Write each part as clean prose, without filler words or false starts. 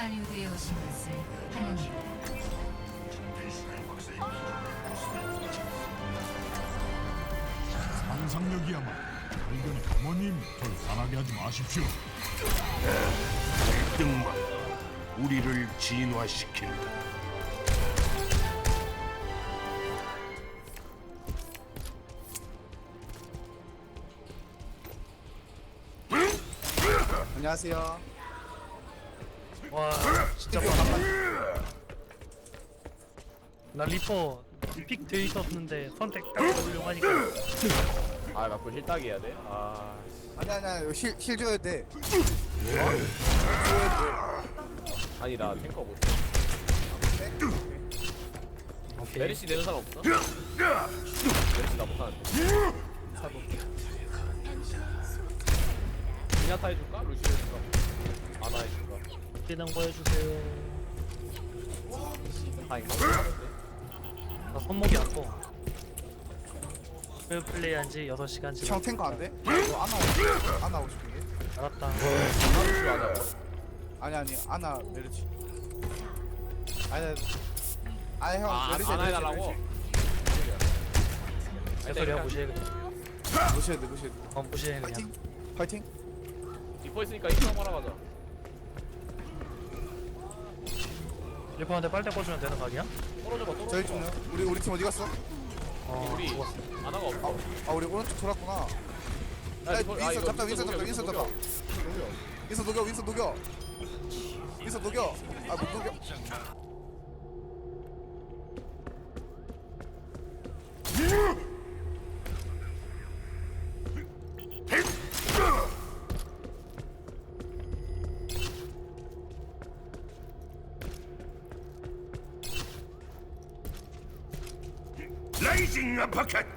할리우드에 오신 것을 환영합니다. 상상력이야말로 발견의 부모님 절 화나게 하지 마십시오. 등만 우리를 진화시킨다. 안녕하세요. 와 진짜 뻔한다. 나 리퍼 픽 돼 있었는데 선택 딱 훌륭하니까. 아 맞고 힐따기 해야 돼? 아 아니야 이거 힐 줘야 돼. 아니 나 탱커 못 오케이. 메리시 내는 사람 없어? 메리시 나 못하는데 미나타 해줄까? 루시 해줄까? 아나 해줄까? 기능 보여주세요. 다 이거 나 손목이 아파. 그 플레이한 지 6시간 지났. 형 탱커 안 돼? 이거 아나 오고 싶은데. 알았다. 아나 루시 하자고? 아니 아나 메르치. 아니 형 메르치 아나 해달라고? 내 소리야 무시해 그냥. 무시해야 돼. 무시해 그냥. 파이팅. 리퍼 있으니까 이거 한번 하러 가자 리퍼한테 빨대 꽂으면 되는 거 아니야? 떨어져봐 떨어져봐 저희 쪽요. 우리 팀 어디 갔어? 우리 죽었어. 아나가 없어 아 우리 오른쪽 돌았구나. 야, 야, 리퍼- 아, 윈서 이거 잡자. 윈서 윈서 녹여, 잡자. 녹여. 윈서 녹여. 윈서 녹여. 아 못 녹여. 라이징 아파켓.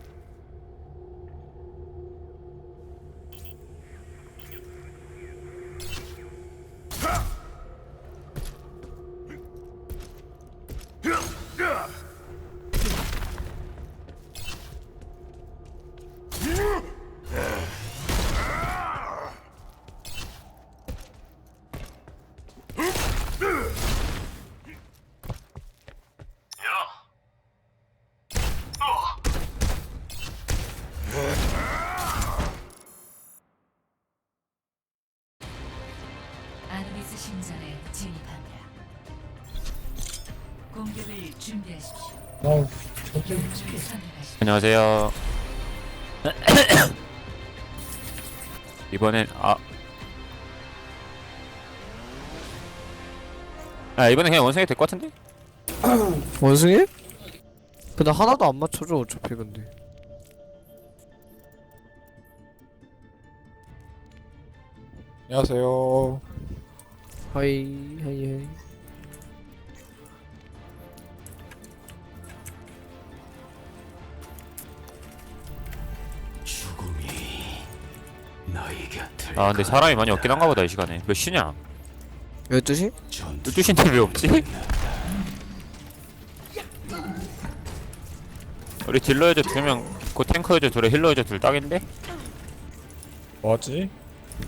아누비스 신전에 진입합니다. 공격을 준비하십시오. 영웅을 선택하십시오. 안녕하세요. 이번엔 이번엔 그냥 원숭이 될 것 같은데? 원숭이? 근데 하나도 안 맞춰줘 어차피 근데. 안녕하세요. 하이. 근데 사람이 많이 없긴 한가 보다 이 시간에. 몇 시냐? 12시? 12시인데 왜 없지? 우리 딜러 여자 2명, 그 탱커 여자 2에 힐러 여자 2 딱인데? 뭐하지?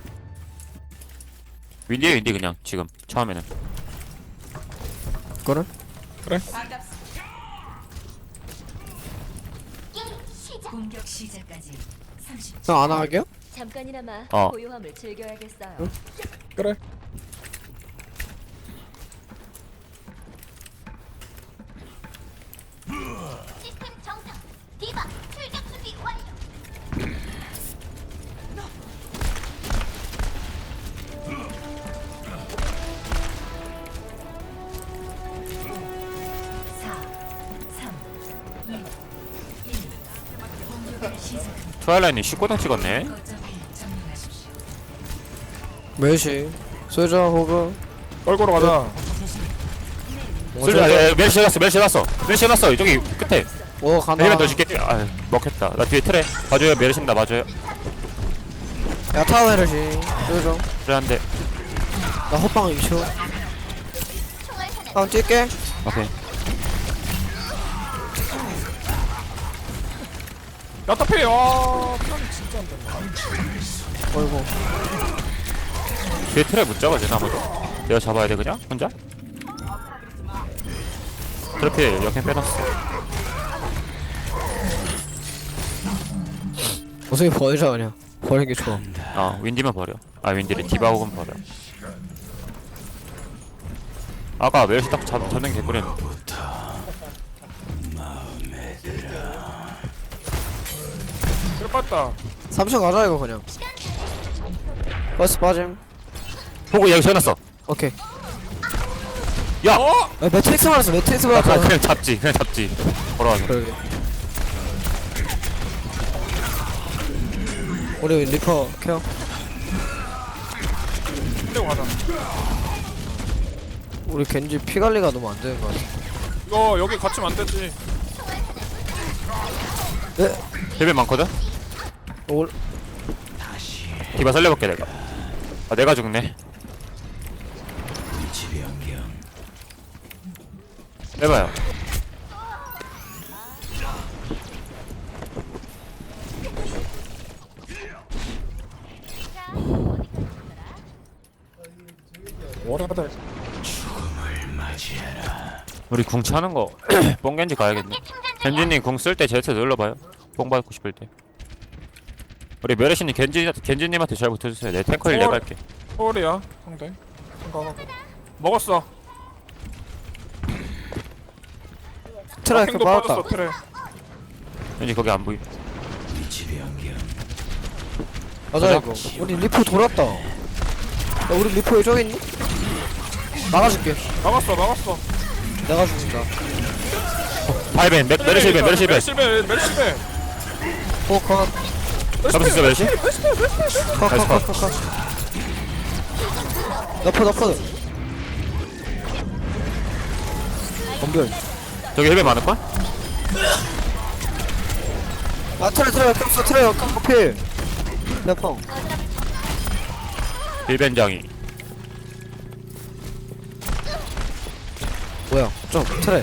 윈디 그냥 지금 처음에는. 그래? 공격 시작까지 30초. 형 안 하게요? 잠깐이나마 어. 고요함을 즐겨야겠어요. 그래. 시스템 정상. 디바 출격 준비 완료. 공격을 시작합니다. 트와일라이트님 19등 찍었네? 거점을 점령하십시오. 몇시? 소자 호그. 떨고로 가자. 멜시 해놨어 저기 끝에. 오 가나. 힐만 더 줄게. 먹혔다. 나 뒤에 틀에 봐줘요. 메르신다 봐줘요. 야 타워 헤르시. 소자. 그래 한대. 나 호빵 2초. 다음 뛸게. 오케이. 야타페. 와. 피하는 진짜 안 된다. 어이구. 뒤에 틀에 못 잡아주나 아무도? 내가 잡아야 돼 그냥? 혼자? 트래필 역행 빼놨어. 원숭이 버리자 그냥. 버리는 게 좋아. 윈디만 버려. 윈디를 디바고는 버려. 아까 멜시 딱 잡는 개꿀이었는데. 그래 빠졌다. 3층 가자 이거 그냥. 버스 빠짐. 보고 여기 세워놨어. 오케이. 야! 어? 매트릭스 말았어. 매트릭스 나 말았어. 그냥 잡지. 걸어가서. 그러게. 우리 리퍼 케어. 힘내고 가자. 우리 겐지 피 관리가 너무 안 되는 것 같아. 이거 여기 갇히면 안 되지. 네. 힐벨 많거든? 올. 디바 살려볼게 내가. 내가 죽네. 해봐요. 뭐라다. 우리 궁 차는 거 뽕겐지 가야겠네. 겐지님 궁 쓸 때 제트 눌러봐요. 뽕 받고 싶을 때. 우리 메르시님 겐지님한테 잘 붙어주세요. 내 탱커를 내가 할게. 서울이야 상대. 생각하고. 먹었어. 트라이크 도 받았다. 빠졌어 트레. 왠지 거기 안 보임. 맞아 이거. 우리 리퍼 돌았다. 야, 우리 리퍼 왜 저기 있니? 막아줄게. 막았어. 내가 죽는다. 파이벤 메르시 벤. 멜시베. 컷. 잡을 수 있어 메르시? 컷. 너퍼. 검별. 저기 힐벨 많을걸? 트레 깜짝 트레 커피. 내펑. 힐벤장이. 뭐야? 좀 트레.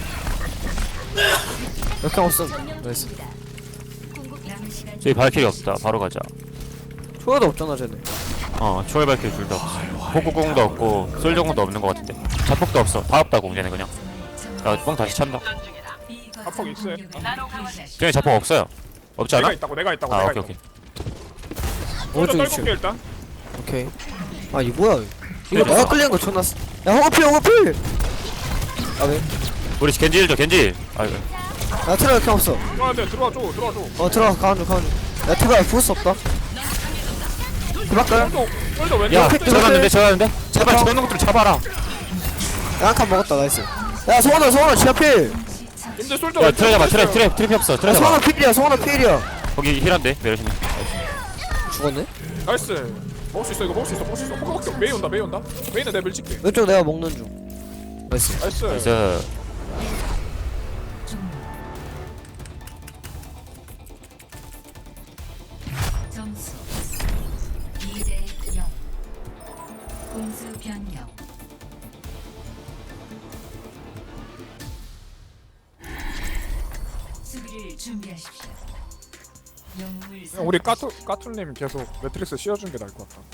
이렇게 없음. 나이스. 남은 시간 저기 발길이 없다. 바로 가자. 초가도 없잖아 쟤네. 초월 발길이 둘 다 없어. 폭구공도 없고 솔정공도 없는 것 같은데. 자폭도 없어. 다 없다 공쟤네 그냥. 뽕 다시 찬다. 자폭 있어요. 쟤네 자폭 없어요. 없지 않아? 내가 있다고. 오케이. 오른쪽 떨굴게 위치. 일단. 오케이. 이 뭐야? 이거 내가 끌리는 거 존나. 야 호거필. 왜? 우리 겐지 힐 줘 겐지. 야 트레 이렇게 없어. 들어와줘. 들어가 가운데. 야 트레 부을 없다. 그밖에. 솔저 왼쪽. 야 힐 줘. 저러는데. 제발 힐 줘. 저런 것들 잡아라. 야 한 칸 먹었다. 나이스. 야 성원아 지하필. 근데 솔저 야 왼쪽. 트레 잡아 트레 없어. 트레 야 잡아. 성원아 필이야. 거기 힐한데 메르시님. 죽었네. 나이스. 먹을 수 있어. 호그 메이 온다. 메이는 내가 밀칠게. 왼쪽 내가 먹는 중. 나이스. 나이스. 그래서 점수 2대 0. 공수 변경. 수비를 준비하십시오. 영웅을 우리 까툴님 계속 매트릭스 씌워준 게 나을 것 같다.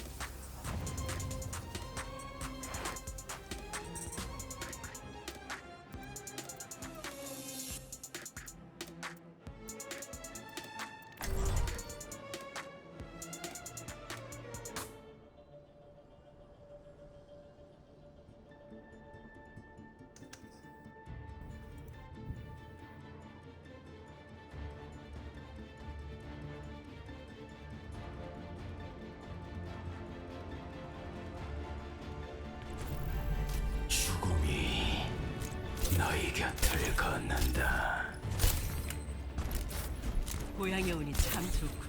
고향에 오니 참 좋군.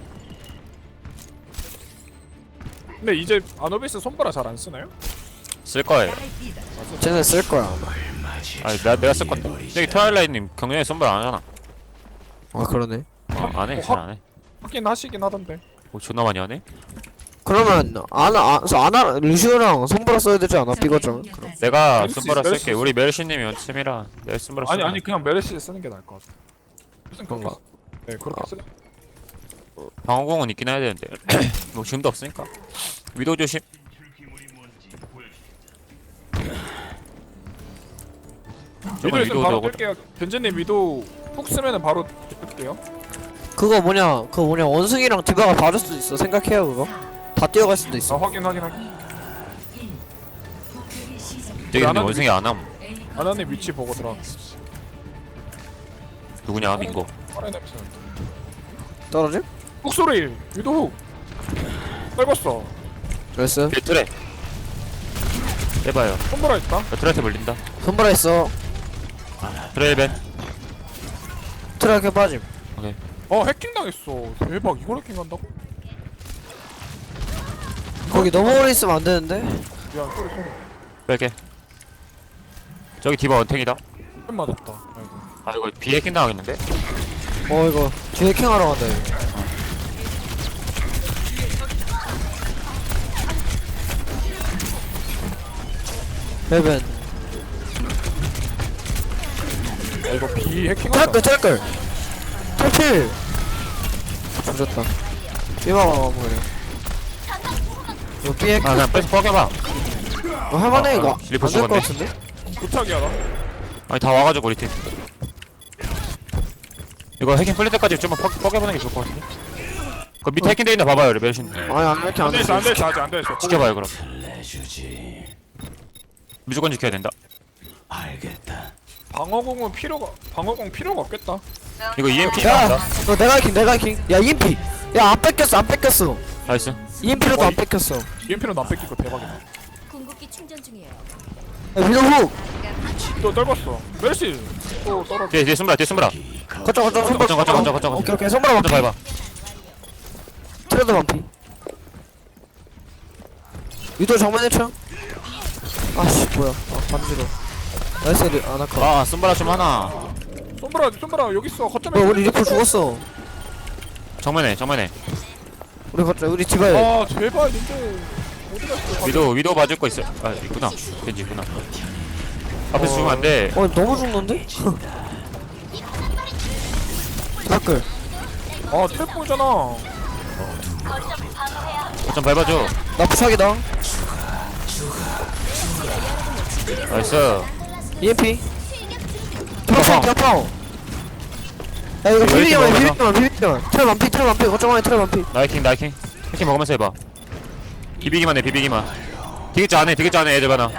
근데 이제 아노비스 손보라 잘 안 쓰나요? 쓸 거예요. 쟤네 쓸 거야. 내가 쓸 건데. 여기 트와일라이트님 경련에 선발 안 하잖아. 그러네. 안 해. 잘 안 해. 하긴 하시긴 하던데. 존나 많이 하네. 그러면 아나 루시오랑 손보라 써야 되지 않아? 삐거짱. 내가 메르시, 선발을 메르시 쓸게. 우리 메르시님이 원팀이라 내가 선발을 쓸게. 아니 그냥 메르시 쓰는 게 나을 것 같아. 무슨 그런가? 네 그렇게 쓰. 방어공은 있긴 해야 되는데 뭐 지금도 없으니까. 위도 조심. 위도 있으면 바로 오고. 뜰게요. 벤진님 위도 훅 쓰면은 바로 뜰게요. 그거 뭐냐 원숭이랑 디바가 봐줄 수도 있어. 생각해요 그거. 다 뛰어갈 수도 아 있어. 확인. 공격이 시작. 되게 근데 나는- 원숭이 안함. 아나님 위치 보고 들어. 누구냐 민고. 빠른 냄새. 떨어짐? 훅 소리. 위도 훅. 떨궜어. 나이스. 뒤에 트레. 해봐요. 손보라 있다. 트레한테 물린다. 손보라 있어. 트레 1벤. 트랙에 빠짐. 해킹 당했어. 대박. 이걸 해킹한다고? 거기 너무 오래 있으면 안 되는데. 미안. 소리. 뺄게. 저기 디바 원탱이다. 팬 맞았다. 아이고. 아 이거 비해킹 당하겠는데? 이거 뒤에 킹하러 간다 이거. 벨벤. 이거 비 해킹한다. 트랙글. 탈필. 조졌다. 삐마가 마무리. 이거 삐에 아 그냥 뺏어 뻐겨봐. 할만해 이거. 리포 안될 것 죽었네. 같은데? 부탁이야 나. 아니 다 와가지고 우리 팀. 이거 해킹 풀릴 때까지 좀만 뻐겨보는 게 좋을 것 같은데? 그 밑에 해킹 돼있나 봐봐요 레벨신. 아니 이렇게 안 안돼있어 됐어. 아직 안돼있어. 지켜봐요 그럼. 무조건 지켜야 된다. 방어공 필요가 없겠다. 이거 EMP 야, 나온다. 너 내가 해킹. 야 EMP. 야 안 뺏겼어. 나이스. EMP로도 안 뺏겼어. EMP는 안 뺏기고 대박이다. 궁극기 충전 중이에요. 야 위도 훅. 또 떨궜어. 멜시 또 떨어. 뒤에 숨으라 뒤에 숨으라. 거쳐. 오케이 손가락 먼저 반피. 밟아. 트레드 반피. 위도 정면에 쳐. 아씨 뭐야. 반지로. 나이스 아나카. 아 숨바라 좀 하나. 손보라 여기 있어. 거점에. 뭐야 우리 리포 죽었어. 정면에. 우리 디바에. 아 제발 근데 어디 갔어? 위도 봐줄 거 있어. 아 있구나. 겐지 있구나. 앞에서 죽으면 안 돼. 너무 죽는데? 댓글. 아 트랩 보이잖아. 좀 밟아줘. 나 부착이다. 나이스. EMP. 파워. 파워. 야 이거 비비기만. 트랩 반피. 거점 안에 트랩 반피. 나이킹. 해킹 먹으면서 해봐. 비비기만 해. 되겠지 않네 애들 많아.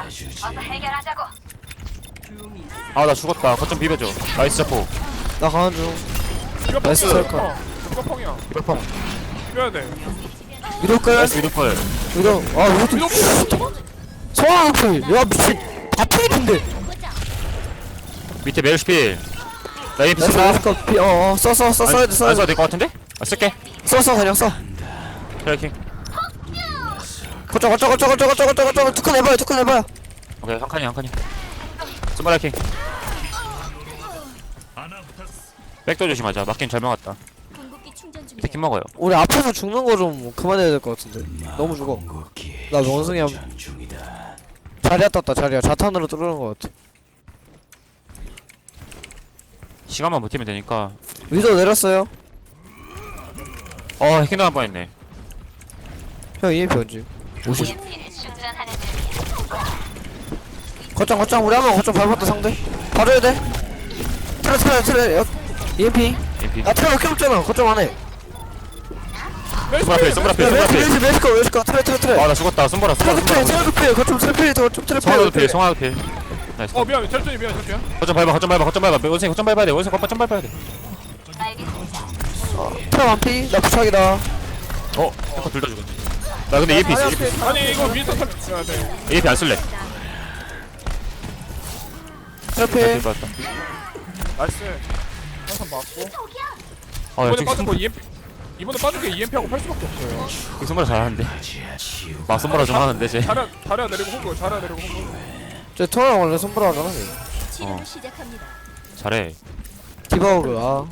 아 나 죽었다. 거점 비벼줘. 나이스 자포. 나 가는 중. 이거 나이스 펑이야. 셀카. 이거 펑이야. 비벼펑. 뛰어야 돼. 위도 끌. 나이스 위도펄. 위도. 이거 소환 앞을. 야 미친. 다 필인데. 밑에 메르시필. 나 EMP 나이스 쓰고. 아스컷 피. 써야 돼. 안 써도 될 것 같은데? 아 쓸게. 그냥 써. 트래킹. 거쳐. 투큰 해봐요. 오케이 한 칸이. 스마라 킹. 백도 조심하자. 맞긴 잘 막았다. 궁극기 충전 중이에요. 치킨 먹어요. 우리 앞에서 죽는 거 좀 그만해야 될 것 같은데. 너무 죽어. 나 원숭이 자리야 떴다. 자탄으로 뚫는 것 같아. 시간만 버티면 되니까. 위도 내렸어요. 해킹 당할 뻔했네. 형 EMP 언제? 50. 거점 우리 한번 거점 밟았다 상대. 봐줘야 돼. 트레 EMP. EMP. 야 트레 몇 없잖아. 거점 안에. 스마라필. 웨스커 트레. 아나 죽었다. 손보라. 트레 급해. 거점 트레 필. 성화도 필. 나이스. 미안. 철저히 미안. 거점 밟아. 원숭이 거점 밟아야 돼. 거점 밟아야 돼. 트레 완피. 나 부착이다. 해커 둘다 죽었네. 나 근데 EMP 있어. 아니 이거 윈스턴 탈. 네. EMP 안 쓸래. 트레 필. 맞다. 나이스. 항상 맞고. 야 이번에 저기 빠진 거 EMP. 이번에 빠진 게 EMP하고 팔 수밖에 없어요. 손보라 잘하는데. 막 손보라 좀 하는데 쟤. 자리야 내리고 호그. 저 토랑 원래 손보라 하잖아. 치료를 시작합니다. 잘해. 디바오그.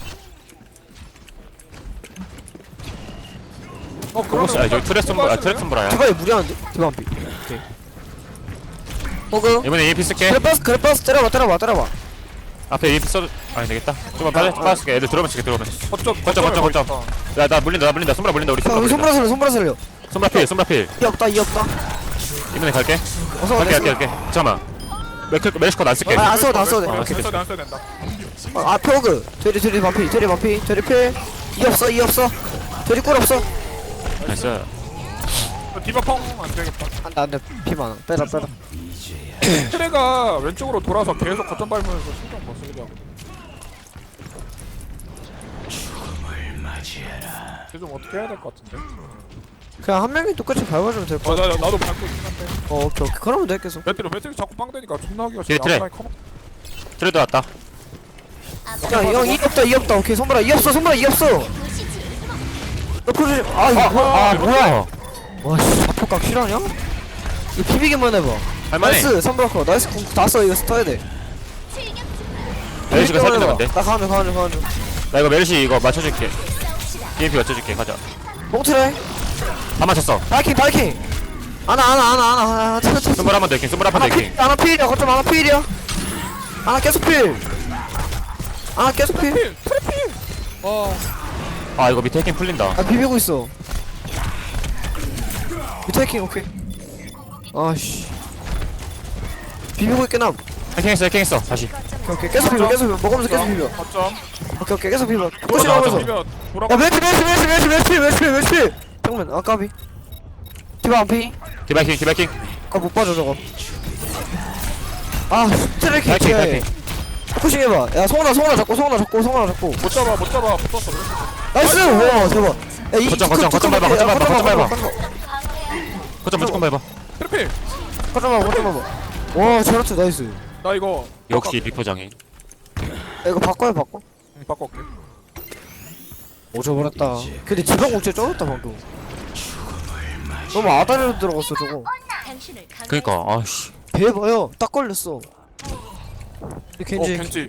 그거 아 저기 트랙 손보라야. 디바이 무리하는데? 디바 한피. 오케이. 호그. 이번에 EMP 쓸게. 그래 버스 때려봐. 앞에 EMP 써도 아니 되겠다. 좀만 빠질게. 애들 들어오면 거점. 야나 물린다. 손보라 물린다. 우리 우리 손보라 살려. 손보라 필. 이 없다. 이번에 갈게. 어서 갈게. 잠깐만. 메르시컷 안 쓸게. 안 써도 안 써도 돼. 아, 오케이. 안 써야 된다. 앞에 호그. 돼지 반피. 돼지 반피. 돼지 필. 이 없어. 돼지 꿀 없어. 나이스. 디바 펑안 되겠다. 안돼. 피 많아. 빼라. 트레가 왼쪽으로 돌아서 계속 거점 밟으면서 신경 못 쓰게 하고. 쟤좀 어떻게 해야 될 것 같은데? 그냥 한 명이 똑같이 밟아주면 될 것 같아. 나도 밟고 있긴 한데. 오케이. 그러면 돼 계속. 배터리 자꾸 빵 되니까 존나 하기가 뒤에 트레. 트레드 왔다. 형 이 없다. 오케이. 손보라 이 없어. 너 풀을 아 뭐야? 와씨 자폭각 실화냐? 이거 비비기만 해봐. 할만해. 나이스 선브라커. 나이스 궁 다 써. 이거 스타야 돼. 메르시가 비비기만 살짝 해봐. 근데. 나 가는 중. 나 이거 메르시 이거 맞춰줄게. EMP 맞춰줄게. 가자. 뽕트레. 다 맞췄어. 바이킹. 아나. 스물 한번 더 킹. 스물 한번 더 킹. 아나 필이야. 거점 아나 필이야. 아나 계속 필. 아 이거 밑에 해킹 풀린다. 아 비비고 있어. 밑에 해킹 오케이. 아씨. 비비고 있긴 함. 해킹했어. 다시. 오케이 계속 비벼. 먹으면서 계속 비벼. 거점. 오케이 계속 비벼. 아, 포시 나오면서. 돌아. 야 매치. 정면 아 까비. 디바 안 피. 디바이킹. 아못 봐줘 저거. 아 트래킹 바이킹. 지하에. 푸싱 해봐. 야 송하나 잡고. 못 잡아. 붙었어. 나이스. 와 대박. 야이 거점 밟아. 거점 무조건 밟아. 트래필. 거점 밟아. 와 저렇지 나이스. 나 이거 역시 리포장인. 야 이거 바꿔. 바꿔올게. 오져버렸다. 근데 지방 공채 쩔었다 방금. 너무 아다리로 들어갔어 저거. 당신을 강 그니까 아씨. 대봐요. 딱 걸렸어. 겐지. 겐지.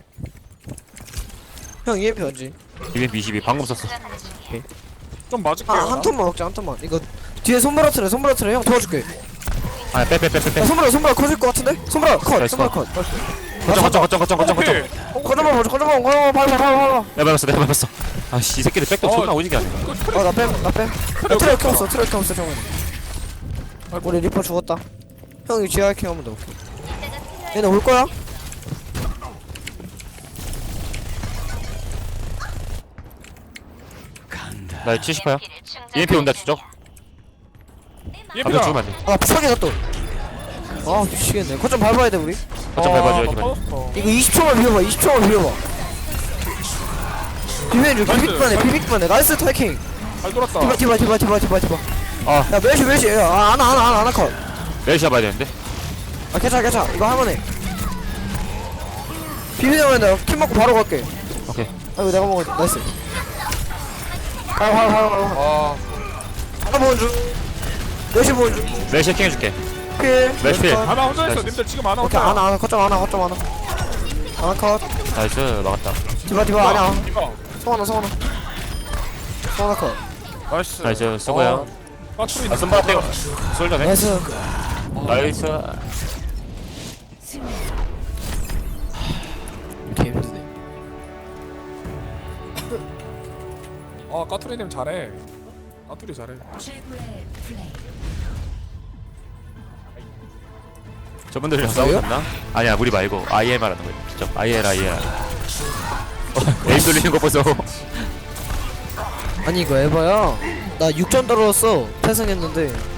형 EMP 언지. EMP 22 방금 썼어. 좀 맞을게요. 한 턴만 먹자 한 턴만. 이거 뒤에 손보라 트레 형 도와줄게. 아 빼. 야, 손보라 커질 것 같은데? 손보라 컷. 나이스 손보라 컷. 거점. 거점만 밟아. 내가 밟았어. 아씨 이 새끼들 백도 존나 오지게 하네. 나 뺨. 트레 이렇게 없어 정말. 우리 리퍼 죽었다. 형 이거 GR 킹 하면 돼. 오케이. 얘네 올 거야? 나 70%야. EMP 온다 추적. 갑자기 죽으면 안 돼. 아 비싸게 갔다. 아 미치겠네. 거점 밟아야 돼 우리. 거점 밟아줘야지. 이거 20초만 비벼봐. 비비기만 해. 나이스 타이킹. 잘 돌았다. 디바. 아 야 멜시. 야 아나 컷. 메르시 잡아야 되는데. 아 괜찮아. 이거 할만해. 비비기만 해. 킴 먹고 바로 갈게. 오케이. 아이고 내가 먹었지. 나이스. 하나 보는 중. 멜시 보는 중. 메르시 해킹 해줄게. 필. 멜시 필. 하나 혼자 있어. 나이스. 님들 지금 하나 오케이 혼자. 하나 거점 하나 컷. 나이스 막았다. 디바 아니야. 이거. 송하나 컷. 나이스 수고야. 빠트리. 아 선바 떼고 솔더네. 나이스. 나이스. 이렇게 힘드네. 까투리님 잘해. 까투리 잘해. 최고의 플레이. 저분들이랑 싸우셨나? 아니야 우리 말고 IL 말하는 거야. 진짜 IL. 에임 돌리는 거 보소. 아니 이거 에바야. 나 6점 떨어졌어. 패승했는데